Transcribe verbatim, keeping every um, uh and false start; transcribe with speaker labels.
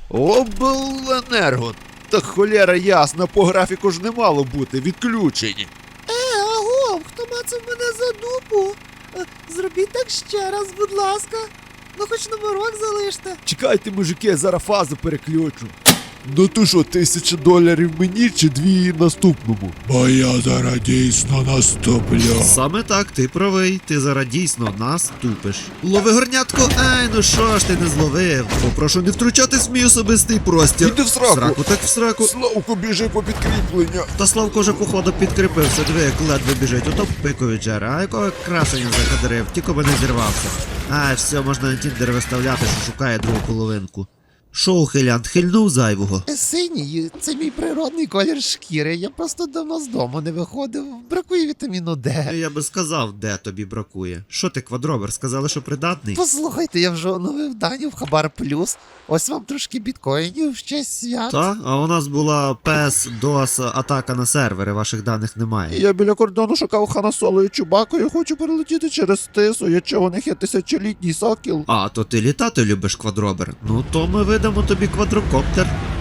Speaker 1: Обленерго. Та холєра ясна, по графіку ж не мало бути, відключені.
Speaker 2: Е, агов, хто мацав мене за дупу? Е, Зробіть так ще раз, будь ласка. Ну хоч номерок залиште.
Speaker 1: Чекайте, мужики, зараз фазу переключу. Ну то що, тисяча доларів мені чи дві наступному?
Speaker 3: Бо я зараз дійсно наступлю.
Speaker 4: Саме так, ти правий, ти зараз дійсно нас тупиш. Лови горнятко, ай, ну що ж ти не зловив? Попрошу не втручатись в мій особистий простір.
Speaker 1: Іди в сраку.
Speaker 4: Сраку так в сраку.
Speaker 1: Славко, біжи по підкріплення.
Speaker 4: Та Славко вже походу підкріпився, диви, як ледве біжить, ото пикові джера, а якого красення закадрив, тільки би не зірвався. Ай, все, можна на тіндер виставляти, що шукає другу половинку. Шо, ухилянт, хильнув зайвого?
Speaker 2: Е, Синій, це мій природний колір шкіри. Я просто давно з дому не виходив. Бракує вітаміну Д.
Speaker 4: Я би сказав, де тобі бракує. Що ти, квадробер, сказали, що придатний?
Speaker 2: Послухайте, я вже оновив дані в Хабар Плюс. Ось вам трошки біткоїнів в честь свят.
Speaker 4: Та, а у нас була пес, дос, атака на сервери, ваших даних немає.
Speaker 1: Я біля кордону шукав Хана Соло і Чубаку, я хочу перелетіти через тису, я чого у них є тисячолітній сокіл.
Speaker 4: А, то ти літати любиш, квадробер? Ну то ми видамо тобі квадрокоптер.